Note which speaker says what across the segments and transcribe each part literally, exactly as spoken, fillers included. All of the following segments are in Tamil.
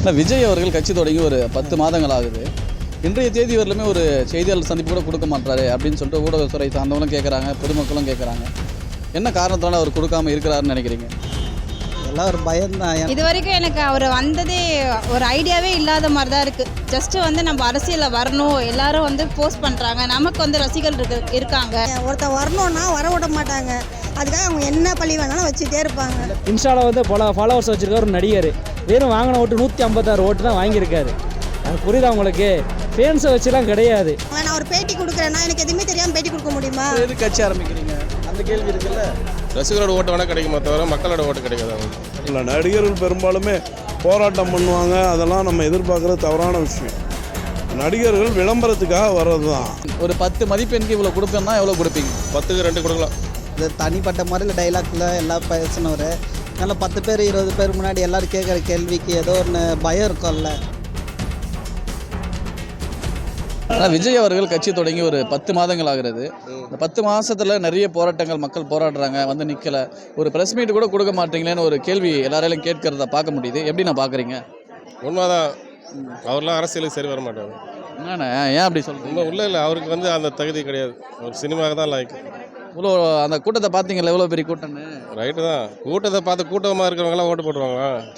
Speaker 1: ஆனால் விஜய் அவர்கள் கட்சி தொடங்கி ஒரு பத்து மாதங்கள் ஆகுது. இன்றைய தேதி வரலுமே ஒரு செய்தியாளர் சந்திப்பு கூட கொடுக்க மாட்டாரு அப்படின்னு சொல்லிட்டு ஊடகத்துறை சார்ந்தவங்களும் கேட்குறாங்க, பொதுமக்களும் கேட்குறாங்க. என்ன காரணத்தால் அவர் கொடுக்காம இருக்கிறாருன்னு நினைக்கிறீங்க?
Speaker 2: எல்லாம் ஒரு பயம்தான்.
Speaker 3: இது வரைக்கும் எனக்கு அவர் வந்ததே ஒரு ஐடியாவே இல்லாத மாதிரி தான் இருக்குது. ஜஸ்ட்டு வந்து நம்ம அரசியலில் வரணும், எல்லாரும் வந்து போஸ்ட் பண்ணுறாங்க, நமக்கு வந்து ரசிகர்கள் இருக்கு இருக்காங்க.
Speaker 4: ஒருத்தர் வரணும்னா வர விட மாட்டாங்க. அதுக்காக அவங்க என்ன பழி வேணாலும் வச்சுட்டே இருப்பாங்க.
Speaker 5: இன்ஸ்டாவில் வந்து பல ஃபாலோவர்ஸ் வச்சுருக்க ஒரு நடிகர் வெறும் வாங்கின ஓட்டு நூற்றி ஐம்பத்தாறு ஓட்டு தான் வாங்கியிருக்காரு. அது புரியுதா உங்களுக்கு? ஃபேன்ஸை வச்சுலாம் கிடையாது.
Speaker 4: நான் ஒரு பேட்டி கொடுக்குறேன்னா எனக்கு எதுவுமே தெரியாமல் பேட்டி கொடுக்க முடியுமா?
Speaker 1: எது கட்சி ஆரம்பிக்கிறீங்க அந்த கேள்வி இருக்குல்ல.
Speaker 6: ரசிகரோட ஓட்டு வேணால் கிடைக்குமா தவிர மக்களோட ஓட்டு கிடைக்காது. அவங்க
Speaker 7: இல்லை, நடிகர்கள் பெரும்பாலுமே போராட்டம் பண்ணுவாங்க, அதெல்லாம் நம்ம எதிர்பார்க்குறது தவறான விஷயம். நடிகர்கள் விளம்பரத்துக்காக வர்றது தான்.
Speaker 1: ஒரு பத்து மதிப்பெண்க்கு இவ்வளோ கொடுப்பேன்னா எவ்வளோ கொடுப்பீங்க?
Speaker 6: பத்துக்கு ரெண்டு கொடுக்கலாம்.
Speaker 2: இது தனிப்பட்ட முறையில் டைலாக்ல எல்லாம் பேசினவர். அதனால் பத்து பேர் இருபது பேர் முன்னாடி எல்லோரும் கேட்குற கேள்விக்கு ஏதோ ஒன்று பயம் இருக்கும்ல.
Speaker 1: ஆனால் விஜய் அவர்கள் கட்சி தொடங்கி ஒரு பத்து மாதங்கள் ஆகிறது. இந்த பத்து மாதத்தில் நிறைய போராட்டங்கள், மக்கள் போராடுறாங்க, வந்து நிற்கலை. ஒரு ப்ரெஸ் மீட் கூட கொடுக்க மாட்டீங்களேன்னு ஒரு கேள்வி எல்லாராலையும் கேட்கறத பார்க்க முடியுது. எப்படி நான் பார்க்குறீங்க?
Speaker 6: உண்மைதான், அவர்லாம் அரசியலுக்கு சரி வர மாட்டாங்க.
Speaker 1: என்னண்ணே ஏன் அப்படி சொல்கிறீங்க?
Speaker 6: உண்மை உள்ள இல்லை, அவருக்கு வந்து அந்த தகுதி கிடையாது. ஒரு சினிமாவுக்கு தான் லைக்.
Speaker 1: இவ்வளோ அந்த கூட்டத்தை பார்த்தீங்களா? எவ்வளோ பெரிய கூட்டம்னு.
Speaker 6: ரைட்டு தான், கூட்டத்தை பார்த்து கூட்டமாக இருக்கிறவங்களாம் ஓட்டு போட்டுருவாங்க.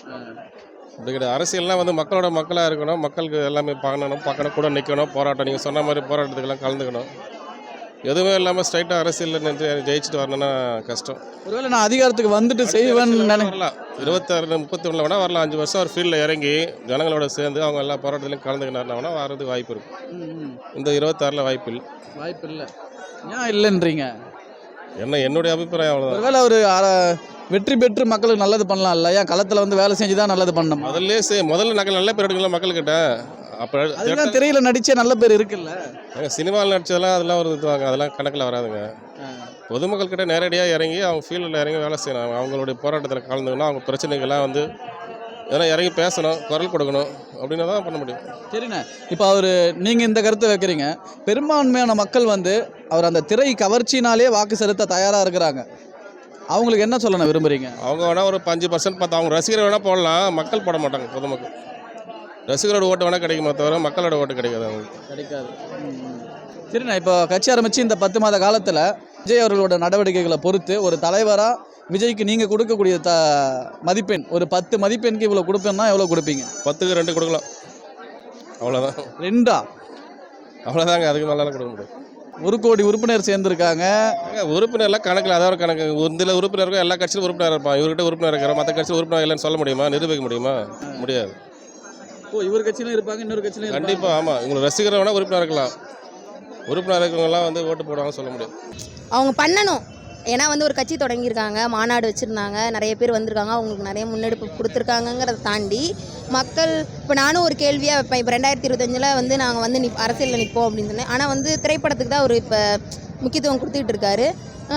Speaker 6: அப்படி கிடையாது. அரசியல்லாம் வந்து மக்களோட மக்களாக இருக்கணும், மக்களுக்கு எல்லாமே பார்க்கணும், பார்க்கணும், கூட நிற்கணும், போராட்டம். நீங்கள் சொன்ன மாதிரி போராட்டத்துக்கெல்லாம் கலந்துக்கணும். எதுவுமே இல்லாமல் ஸ்ட்ரைட்டாக அரசியலில் நின்று ஜெயிச்சுட்டு வரணும்னா கஷ்டம்.
Speaker 1: ஒருவேளை நான் அதிகாரத்துக்கு வந்துட்டு செய்வேன்னு நினை
Speaker 6: வரலாம். இருபத்தாறு முப்பத்தி ஒன்றில் வேணால் வரலாம். அஞ்சு வருஷம் ஒரு ஃபீல்டில் இறங்கி ஜனங்களோட சேர்ந்து அவங்க எல்லா போராட்டத்திலையும் கலந்துக்கினாருனா வர்றதுக்கு வாய்ப்பு இருக்கும். இந்த இருபத்தாறில் வாய்ப்பு இல்லை.
Speaker 1: வாய்ப்பு இல்லை. ஏன் இல்லைன்றீங்க?
Speaker 6: என்ன என்னுடைய அபிப்பிராயம் அவ்வளோதான்.
Speaker 1: ஒருவேளை ஒரு வெற்றி பெற்று மக்களுக்கு நல்லது பண்ணலாம் இல்ல? ஏன் களத்தில் வந்து வேலை செஞ்சு தான் நல்லது பண்ணணும்?
Speaker 6: முதல்ல சே முதல்ல நகல் நல்ல பேர் எடுக்கலாம் மக்கள்கிட்ட. அப்போ
Speaker 1: அதெல்லாம் திரையில் நடிச்சே நல்ல பேர் இருக்குல்ல.
Speaker 6: சினிமாவில் நடிச்சதெல்லாம் அதெல்லாம் ஒரு இதுவாங்க, அதெல்லாம் கணக்கில் வராதுங்க. பொதுமக்கள்கிட்ட நேரடியாக இறங்கி அவங்க ஃபீல்டில் இறங்கி வேலை செய்யணும். அவங்களுடைய போராட்டத்தில் கலந்துக்கணும், அவங்க பிரச்சனைகள்லாம் வந்து இதெல்லாம் இறங்கி பேசணும், குரல் கொடுக்கணும், அப்படின்னா தான் பண்ண முடியும்.
Speaker 1: சரிண்ணே, இப்போ அவர் நீங்கள் இந்த கருத்தை வைக்கிறீங்க. பெரும்பான்மையான மக்கள் வந்து அவர் அந்த திரை கவர்ச்சினாலே வாக்கு செலுத்த தயாராக இருக்கிறாங்க. அவங்களுக்கு என்ன சொல்லணும் விரும்புகிறீங்க?
Speaker 6: அவங்க வேணால் ஒரு அஞ்சு பர்சன்ட் பார்த்து அவங்க ரசிகர் வேணால் போடலாம், மக்கள் போட மாட்டாங்க. பொதுமக்கள் ரசிகரோட ஓட்டு வேணால் கிடைக்குமா தவிர மக்களோட ஓட்டு கிடைக்காது. அவங்களுக்கு கிடைக்காது.
Speaker 1: சரிண்ணா, இப்போ கட்சி ஆரம்பித்து இந்த பத்து மாத காலத்தில் விஜய் அவர்களோட நடவடிக்கைகளை பொறுத்து ஒரு தலைவராக விஜய்க்கு நீங்கள் கொடுக்கக்கூடிய த மதிப்பெண், ஒரு பத்து மதிப்பெண்க்கு இவ்வளோ கொடுப்பேன்னா எவ்வளோ கொடுப்பீங்க?
Speaker 6: பத்துக்கு ரெண்டு கொடுக்கலாம், அவ்வளோதான்.
Speaker 1: ரெண்டா?
Speaker 6: அவ்வளோதாங்க, அதுக்கு மேலாம் கொடுக்க முடியும்.
Speaker 1: ஒரு கோடி உறுப்பினர் சேர்ந்துருக்காங்க.
Speaker 6: உறுப்பினர்லாம் கணக்கில் அதாவது கணக்கு. இதில் உறுப்பினருக்கும் எல்லா கட்சியிலும் உறுப்பினர் இருப்பான். இவர்கிட்ட உறுப்பினர் இருக்கிற மற்ற கட்சியில் உறுப்பினர் இல்லைன்னு சொல்ல முடியுமா? நிரூபிக்க முடியுமா? முடியாது.
Speaker 1: ஓ, இவர் கட்சியிலும் இருப்பாங்க, இன்னொரு கட்சியிலும்
Speaker 6: கண்டிப்பாக. ஆமாம், உங்களுக்கு ரசிகரை வேணால் உறுப்பினர் இருக்கலாம். உறுப்பினர் இருக்கிறவங்களாம் வந்து ஓட்டு போடுவாங்க சொல்ல முடியும்.
Speaker 8: அவங்க பண்ணணும். ஏன்னா வந்து ஒரு கட்சி தொடங்கியிருக்காங்க, மாநாடு வச்சுருந்தாங்க, நிறைய பேர் வந்திருக்காங்க, அவங்களுக்கு நிறைய முன்னெடுப்பு கொடுத்துருக்காங்கங்கிறத தாண்டி மக்கள் இப்போ நானும் ஒரு கேள்வியாக வைப்பேன். இப்போ ரெண்டாயிரத்தி இருபத்தஞ்சில் வந்து நாங்கள் வந்து நிப் அரசியலில் நிற்போம் அப்படின்னு சொன்னேன். ஆனால் வந்து திரைப்படத்துக்கு தான் ஒரு இப்போ முக்கியத்துவம் கொடுத்துக்கிட்டு இருக்காரு.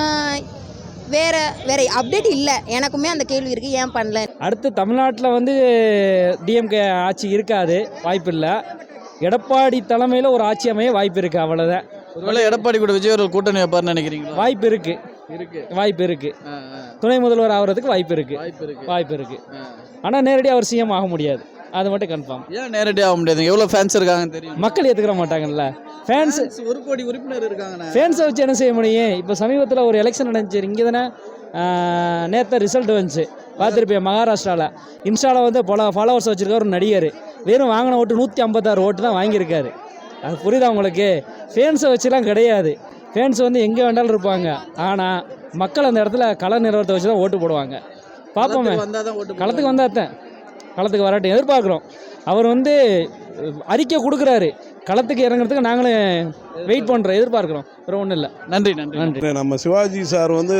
Speaker 8: வேறு வேறு அப்டேட் இல்லை. எனக்குமே அந்த கேள்வி இருக்குது, ஏன் பண்ணல?
Speaker 5: அடுத்து தமிழ்நாட்டில் வந்து டிஎம்கே ஆட்சி இருக்காது, வாய்ப்பு இல்லை. எடப்பாடி தலைமையில் ஒரு ஆட்சி அமைய வாய்ப்பு இருக்குது, அவ்வளோதான்.
Speaker 1: ஒருவேளை எடப்பாடி கூட விஜய் அவர்கள் கூட்டணி வைப்பார்னு நினைக்கிறீங்களா?
Speaker 5: வாய்ப்பு இருக்கு இருக்கு வாய்ப்பு இருக்கு. துணை முதல்வர் ஆகிறதுக்கு வாய்ப்பு இருக்கு வாய்ப்பு இருக்கு ஆனால் நேரடியாக அவர் சிஎம் ஆக முடியாது, அது மட்டும் கன்ஃபார்ம்.
Speaker 1: ஏன் நேரடியாக ஆக முடியாது? எவ்வளோ ஃபேன்ஸ் இருக்காங்கன்னு தெரியும்.
Speaker 5: மக்கள் ஏற்றுக்கிற மாட்டாங்கல்ல. ஃபேன்ஸ்
Speaker 1: ஒரு கோடி உறுப்பினர் இருக்காங்க.
Speaker 5: ஃபேன்ஸை வச்சு என்ன செய்ய முடியும்? இப்போ சமீபத்தில் ஒரு எலெக்ஷன் நடந்துச்சு இங்கே தானே, நேற்று ரிசல்ட் வந்துச்சு, பார்த்துருப்பேன். மகாராஷ்டிராவில் இன்ஸ்டாவில் வந்து பல ஃபாலோவர்ஸ் வச்சுருக்க ஒரு நடிகர் வெறும் வாங்கின ஓட்டு நூற்றி ஐம்பத்தாறு ஓட்டு தான் வாங்கியிருக்காரு. அது புரியுதா உங்களுக்கு? ஃபேன்ஸை வச்சுலாம் கிடையாது. ஃபேன்ஸ் வந்து எங்கே வேண்டாலும் இருப்பாங்க, ஆனால் மக்கள் அந்த இடத்துல கள நிறுவனத்தை வச்சு தான் ஓட்டு போடுவாங்க. பார்ப்போமே, களத்துக்கு வந்தால் தான். களத்துக்கு வரட்டும், எதிர்பார்க்குறோம். அவர் வந்து அறிக்கை கொடுக்குறாரு, களத்துக்கு இறங்குறதுக்கு நாங்களும் வெயிட் பண்ணுறோம், எதிர்பார்க்குறோம். வேறு ஒன்றும் இல்லை. நன்றி நன்றி நன்றி.
Speaker 7: நம்ம சிவாஜி சார் வந்து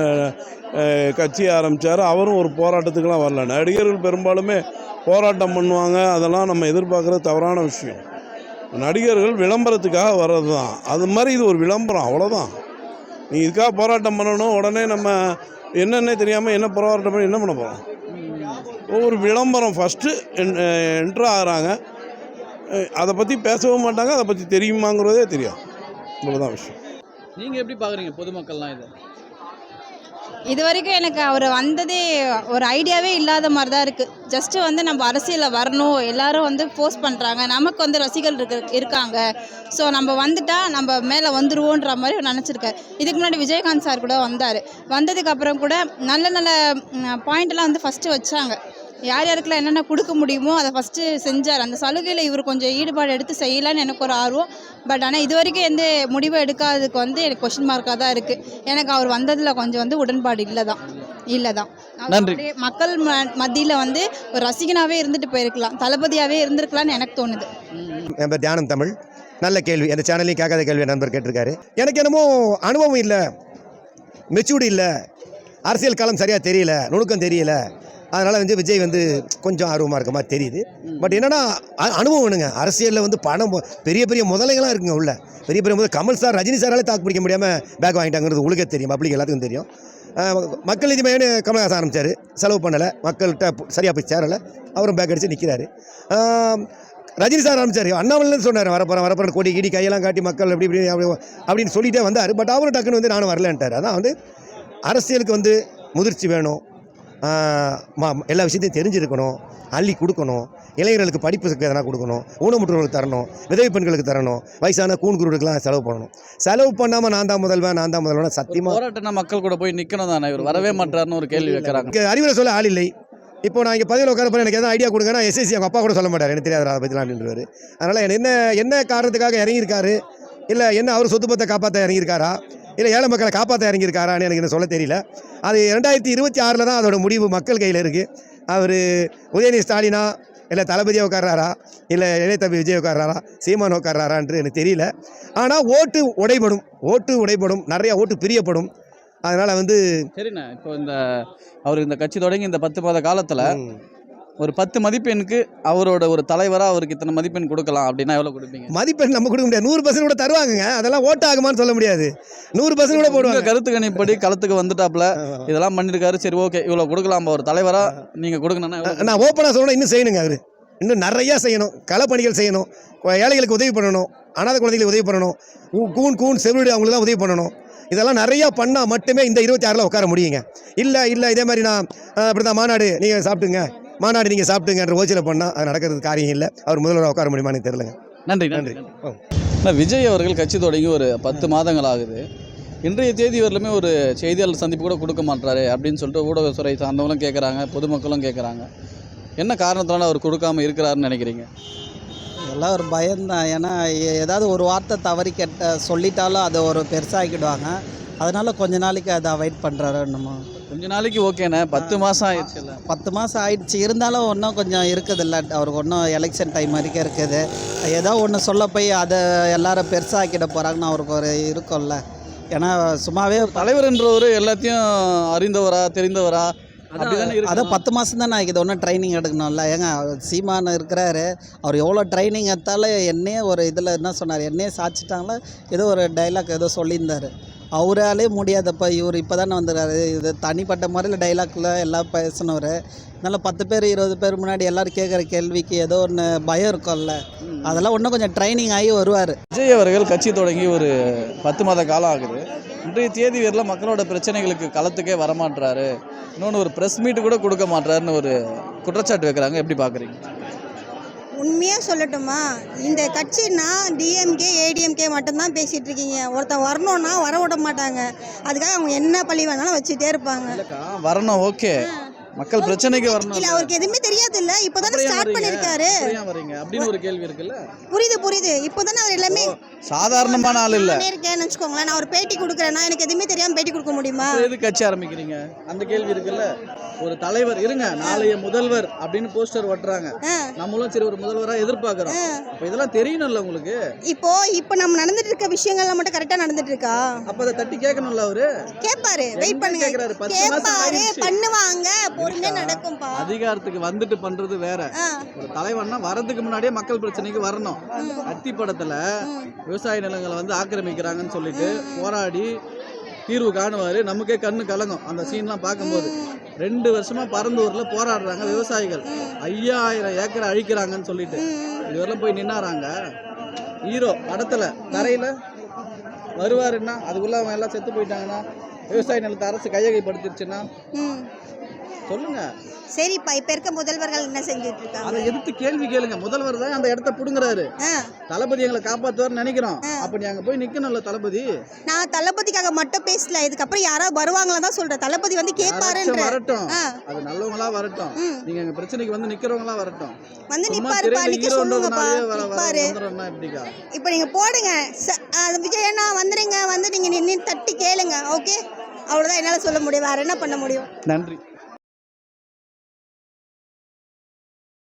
Speaker 7: கட்சி ஆரம்பித்தார், அவரும் ஒரு போராட்டத்துக்கெலாம் வரல. நடிகர்கள் பெரும்பாலுமே போராட்டம் பண்ணுவாங்க, அதெல்லாம் நம்ம எதிர்பார்க்குறது தவறான விஷயம். நடிகர்கள் விளம்பரத்துக்காக வர்றது தான். அது மாதிரி இது ஒரு விளம்பரம், அவ்வளோதான். நீ இதுக்காக போராட்டம் பண்ணணும், உடனே நம்ம என்னென்ன தெரியாமல் என்ன போராட்டம் பண்ணி என்ன பண்ண போகிறோம்? ஒரு விளம்பரம் ஃபஸ்ட்டு என்ட்ரு ஆகிறாங்க, அதை பற்றி பேசவும் மாட்டாங்க, அதை பற்றி தெரியுமாங்கிறதே தெரியும். இவ்வளோதான் விஷயம்.
Speaker 1: நீங்கள் எப்படி பார்க்குறீங்க பொதுமக்கள்லாம்? இது
Speaker 3: இது வரைக்கும் எனக்கு அவர் வந்ததே ஒரு ஐடியாவே இல்லாத மாதிரி தான் இருக்குது. ஜஸ்ட்டு வந்து நம்ம அரசியலில் வரணும், எல்லாரும் வந்து போஸ்ட் பண்ணுறாங்க, நமக்கு வந்து ரசிகர்கள் இருக்கு இருக்காங்க, ஸோ நம்ம வந்துட்டால் நம்ம மேலே வந்துருவோன்ற மாதிரி நினச்சிருக்காரு. இதுக்கு முன்னாடி விஜயகாந்த் சார் கூட வந்தார். வந்ததுக்கப்புறம் கூட நல்ல நல்ல பாயிண்ட்லாம் வந்து ஃபஸ்ட்டு வச்சாங்க. யார் யாருக்கெல்லாம் என்னென்ன கொடுக்க முடியுமோ அதை ஃபஸ்ட்டு செஞ்சார். அந்த சலுகையில் இவர் கொஞ்சம் ஈடுபாடு எடுத்து செய்யலான்னு எனக்கு ஒரு ஆர்வம். பட் ஆனால் இது வரைக்கும் எந்த முடிவை எடுக்காததுக்கு வந்து எனக்கு கொஷின் மார்க்காக தான் இருக்குது. எனக்கு அவர் வந்ததில் கொஞ்சம் வந்து உடன்பாடு இல்லை தான் இல்லை தான்
Speaker 1: நன்றி.
Speaker 3: மக்கள் ம மத்தியில் வந்து ஒரு ரசிகனாகவே இருந்துட்டு போயிருக்கலாம், தளபதியாகவே இருந்திருக்கலாம்னு எனக்கு தோணுது.
Speaker 9: என் பேர் தியானம் தமிழ். நல்ல கேள்வி, அந்த சேனல்லையும் கேட்காத கேள்வி நண்பர் கேட்டிருக்காரு. எனக்கு என்னமோ அனுபவம் இல்லை, மெச்சூர்டு இல்லை, அரசியல் காலம் சரியாக தெரியல, நுணுக்கம் தெரியல, அதனால் வந்து விஜய் வந்து கொஞ்சம் ஆர்வமாக இருக்க மாதிரி தெரியுது. பட் என்னென்னா அனுபவம் வேணுங்க. அரசியலில் வந்து பணம் பெரிய பெரிய முதலைகளாக இருக்குங்க உள்ள, பெரிய பெரிய முதல் கமல் சார் ரஜினி சாராலே தாக்கு பிடிக்க முடியாமல் பேக் வாங்கிட்டாங்கிறது உங்களுக்கே தெரியும், பப்ளிக் எல்லாத்துக்கும் தெரியும். மக்கள் நீதி மையம்னு கமலஹாசன் ஆரம்பித்தார், செலவு பண்ணலை, மக்கள்கிட்ட சரியாக போய் சேரலை, அவரும் பேக் அடித்து நிற்கிறாரு. ரஜினி சார் ஆரம்பித்தார், அண்ணாமலைன்னு சொன்னார், வரப்போகிறேன் வரப்போகிறேன் கொடி கிடி கையெல்லாம் காட்டி மக்கள் எப்படி இப்படி அப்படி அப்படின்னு சொல்லிகிட்டே வந்தார். பட் அவரும் டக்குன்னு வந்து நானும் வரலன்ட்டார். அதான் வந்து அரசியலுக்கு வந்து முதிர்ச்சி வேணும், எல்லா விஷயத்தையும் தெரிஞ்சிருக்கணும், அள்ளி கொடுக்கணும், இளைஞர்களுக்கு படிப்புக்கு எதனா கொடுக்கணும், ஊனமுற்றவர்களுக்கு தரணும், விதவை பெண்களுக்கு தரணும், வயசான கூண் குருடுக்கெல்லாம் செலவு பண்ணணும். செலவு பண்ணாமல் நான் தான் முதல்வன் நான் தான் முதல்வன் சத்தியமாக
Speaker 1: போராட்டம்னா மக்கள் கூட போய் நிற்கணும் தானே, இவர் வரவே மாட்டாருன்னு ஒரு கேள்வி வைக்கிறாங்க.
Speaker 9: அறிவுரை சொல்ல ஆள் இல்லை. இப்போ நான் இங்கே பதிவில் உட்கார போகிறேன், எனக்கு எதாவது ஐடியா கொடுங்கன்னா எஸ்எஸ்சி அவங்க அப்பா கூட சொல்ல மாட்டார், எனக்கு தெரியாது அதை பற்றிலாம் அப்படின்றவர். அதனால் என்ன என்ன காரணத்துக்காக இறங்கியிருக்காரு, இல்லை என்ன அவர் சொத்து பத்தை காப்பாற்ற இறங்கியிருக்காரா, இல்லை ஏழை மக்களை காப்பாற்ற இறங்கியிருக்காரான்னு எனக்கு என்ன சொல்ல தெரியல. அது ரெண்டாயிரத்தி இருபத்தி ஆறில் தான் அதோட முடிவு மக்கள் கையில் இருக்குது. அவர் உதயநிதி ஸ்டாலினா, இல்லை தளபதியை உட்கார்றாரா, இல்லை இளையதம்பி விஜய் உட்கார்றாரா, சீமான் உட்கார்றாரான்னு எனக்கு தெரியல. ஆனால் ஓட்டு உடைபடும், ஓட்டு உடைபடும், நிறையா ஓட்டு பிரியப்படும். அதனால் வந்து
Speaker 1: சரிண்ணா, இப்போ இந்த அவர் இந்த கட்சி தொடங்கி இந்த பத்து மாத காலத்தில் ஒரு பத்து மதிப்பெண்ணுக்கு அவரோட ஒரு தலைவராக அவருக்கு இத்தனை மதிப்பெண் கொடுக்கலாம் அப்படின்னா எவ்வளோ கொடுப்பீங்க?
Speaker 9: மதிப்பெண் நம்ம கொடுக்க முடியாது, நூறு பர்சன்ட் கூட தருவாங்க, அதெல்லாம் ஓட்டு ஆகுமான்னு சொல்ல முடியாது, நூறு பர்சன்ட் கூட போடுவாங்க.
Speaker 1: கருத்து கணிப்படி களத்துக்கு வந்துட்டாப்ல இதெல்லாம் பண்ணியிருக்காரு, சரி ஓகே இவ்வளோ கொடுக்கலாம் ஒரு தலைவராக நீங்கள் கொடுக்கணும்னா
Speaker 9: நான் ஓப்பனாக சொல்லணும், இன்னும் செய்யணுங்க, அவர் இன்னும் நிறையா செய்யணும், களப்பணிகள் செய்யணும், ஏழைகளுக்கு உதவி பண்ணணும், அனாதை குழந்தைகளுக்கு உதவி பண்ணணும், கூன் கூன் செவிடு அவங்களுக்கு தான் உதவி பண்ணணும். இதெல்லாம் நிறையா பண்ணால் மட்டுமே இந்த இருபத்தி ஆறில் உட்கார முடியுங்க. இல்லை இல்லை இதே மாதிரி நான் அப்படி தான் மாநாடு நீங்கள் சாப்பிட்டுங்க, மாநாடு நீங்கள் சாப்பிட்டுங்கன்ற ஓச்சியில் பண்ணால் அது நடக்கிறது காரியம் இல்லை. அவர் முதல்வராக உட்கார முடியுமான்னு தெரியலங்க.
Speaker 1: நன்றி நன்றி. விஜய் அவர்கள் கட்சி தொடங்கி ஒரு பத்து மாதங்கள் ஆகுது. இன்றைய தேதி வரலுமே ஒரு செய்தியாளர் சந்திப்பு கூட கொடுக்க மாட்டாரு அப்படின்னு சொல்லிட்டு ஊடகத்துறை சார்ந்தவங்களும் கேட்குறாங்க, பொதுமக்களும் கேட்குறாங்க. என்ன காரணத்தினால அவர் கொடுக்காமல் இருக்கிறாருன்னு நினைக்கிறீங்க?
Speaker 2: எல்லாம் ஒரு பயம்தான். ஏன்னா ஏதாவது ஒரு வார்த்தை தவறி கெட்ட சொல்லிட்டாலும் அதை ஒரு பெருசாகிடுவாங்க. அதனால கொஞ்ச நாளைக்கு அதை அவாய்ட் பண்ணுறாரு. என்னமோ
Speaker 1: கொஞ்ச நாளைக்கு ஓகேண்ணே, பத்து மாதம் ஆயிடுச்சு இல்லை,
Speaker 2: பத்து மாதம் ஆயிடுச்சு. இருந்தாலும் ஒன்றும் கொஞ்சம் இருக்குது இல்லை, அவருக்கு ஒன்றும் எலெக்ஷன் டைம் வரைக்கும் இருக்குது. ஏதோ ஒன்று சொல்ல போய் அதை எல்லாரும் பெருசாக்கிட போகிறாங்கன்னு அவருக்கு ஒரு இருக்கும்ல. ஏன்னா சும்மாவே
Speaker 1: தலைவர்ன்றவர் எல்லாத்தையும் அறிந்தவரா தெரிந்தவரா
Speaker 2: அதான் பத்து மாதம் தான் நான் இது ஒன்றும் ட்ரைனிங் எடுக்கணும்ல. ஏங்க சீமான் இருக்கிறாரு, அவர் எவ்வளோ ட்ரைனிங் எடுத்தாலும் என்னையே ஒரு இதில் என்ன சொன்னார், என்னையே சாச்சிட்டாங்களா ஏதோ ஒரு டைலாக் ஏதோ சொல்லியிருந்தார். அவராலே முடியாதப்ப இவர் இப்போ தானே வந்துடுறாரு. இது தனிப்பட்ட முறையில் டைலாக்ல எல்லாம் பேசினவர். அதனால் பத்து பேர் இருபது பேர் முன்னாடி எல்லோரும் கேட்குற கேள்விக்கு ஏதோ ஒன்று பயம் இருக்கும்ல, அதெல்லாம் இன்னும் கொஞ்சம் ட்ரைனிங் ஆகி வருவார்.
Speaker 1: விஜய் அவர்கள் கட்சி தொடங்கி ஒரு பத்து மாத காலம் ஆகுது. இன்றைய தேதி வரையில் மக்களோட பிரச்சனைகளுக்கு களத்துக்கே வரமாட்டுறாரு, இன்னொன்று ஒரு ப்ரெஸ் மீட்டு கூட கொடுக்க மாட்டாருன்னு ஒரு குற்றச்சாட்டு வைக்கிறாங்க. எப்படி பார்க்குறீங்க?
Speaker 4: உண்மையாக சொல்லட்டுமா, இந்த கட்சின்னா டிஎம்கே ஏடிஎம்கே மட்டும்தான் பேசிகிட்டு இருக்கீங்க. ஒருத்தன் வரணும்னா வர விட மாட்டாங்க. அதுக்காக அவங்க என்ன பழி வேணாலும் வச்சுட்டே இருப்பாங்க.
Speaker 1: வரணும் ஓகே, மக்கள் பிரச்சனைக்கு வரணும்.
Speaker 4: இல்ல அவருக்கு எதுவுமே தெரியாது இல்ல, இப்போதானே ஸ்டார்ட் பண்ணிருக்காரு.
Speaker 1: அப்படின்னு ஒரு கேள்வி இருக்குல்ல.
Speaker 4: புரியுது புரியுது, இப்போதானே அவர் எல்லாமே
Speaker 1: சாதாரணமான ஆள் இல்ல.
Speaker 4: இருக்கேன்னு வச்சுக்கோங்களேன், நான் ஒரு பேட்டி கொடுக்குறேன்னா எனக்கு எதுவுமே தெரியாம பேட்டி கொடுக்க முடியுமா?
Speaker 1: எது கட்சி ஆரம்பிக்கிறீங்க அந்த கேள்வி இருக்குல்ல. ஒரு தலைவர் இருங்க, நாளைய முதல்வர் அப்படின்னு போஸ்டர் ஒட்டுறாங்க, நம்மளும் சரி ஒரு முதல்வரா எதிர்பார்க்கிறோம். அப்ப இதெல்லாம் தெரியணும்ல உங்களுக்கு.
Speaker 4: இப்போ இப்போ நம்ம நடந்துட்டு இருக்க விஷயங்கள்லாம் மட்டும் கரெக்டா நடந்துட்டு இருக்கா?
Speaker 1: அப்ப அதை தட்டி கேட்கணும்ல. அவரு
Speaker 4: கேட்பாரு, வெயிட் பண்ணுங்க, கேட்பாரு, பண்ணுவாங்க, பொறுமையா நடக்கும்பா.
Speaker 1: அதிகாரத்துக்கு வந்துட்டு பண்றது வேற. ஒரு தலைவன்னா வரதுக்கு முன்னாடியே மக்கள் பிரச்சனைக்கு வரணும். அத்தி படத்துல விவசாய நிலங்களை வந்து ஆக்கிரமிக்கிறாங்கன்னு சொல்லிட்டு போராடி தீர்வு காணுவாரு, நமக்கே கண்ணு கலங்கும் அந்த சீன்லாம் பார்க்கும்போது. ரெண்டு வருஷமா பரந்தூர்ல போராடுறாங்க விவசாயிகள், ஐயாயிரம் ஏக்கரை அழிக்கிறாங்கன்னு சொல்லிட்டு. இதுவரெல்லாம் போய் நின்னாராங்க. ஹீரோ படத்துல தரையில வருவாருன்னா அதுக்குள்ள அவங்க எல்லாம் செத்து போயிட்டாங்கன்னா விவசாய நிலத்தை அரசு கையகைப்படுத்திருச்சுன்னா
Speaker 4: ம்
Speaker 1: சொல்லுங்க.
Speaker 4: சரிப்பா, இப்போ இருக்க முதல்வர்கள் என்ன செஞ்சுட்டு இருக்காங்க?
Speaker 1: அதை எதிர்த்து கேள்வி கேளுங்க. முதல்வர் தான் அந்த இடத்த புடுங்குறாரு.
Speaker 4: ஆ
Speaker 1: தளபதி எங்களை காப்பாற்றுவார்னு நினைக்கிறோம். அப்ப நீ அங்க போய் நிக்கணும்ல தளபதி.
Speaker 4: நான் தளபதிக்காக மட்டும் பேசல, இதுக்கப்புறம் யாராவது வருவாங்களா தான் சொல்றேன். தளபதி வந்து கேட்பாருன்ற.
Speaker 1: வரட்டும்,
Speaker 4: ஆ.
Speaker 1: அது நல்லவங்களா வரட்டும்.
Speaker 4: ம்.
Speaker 1: நீங்க எங்க பிரச்சனைக்கு வந்து நிக்கிறவங்களா வரட்டும்.
Speaker 4: வந்து
Speaker 1: சும்மா
Speaker 4: நிப்பாருப்பா,
Speaker 1: திரையில
Speaker 4: நிக்க
Speaker 1: hero
Speaker 4: சொல்லுங்கப்பா,
Speaker 1: ன்றதுனாலே வர- வர-
Speaker 4: நிப்பாரு.
Speaker 1: வந்துடுறோம்னா எப்படிக்கா?
Speaker 4: இப்போ நீங்க போடுங்க ச- அது விஜய் அண்ணா வந்துருங்க, வந்து நீங்க நின்று தட்டி கேளுங்க. ஓகே, அவ்வளோதான் என்னால் சொல்ல முடியும். வேற என்ன பண்ண முடியும்?
Speaker 1: நன்றி.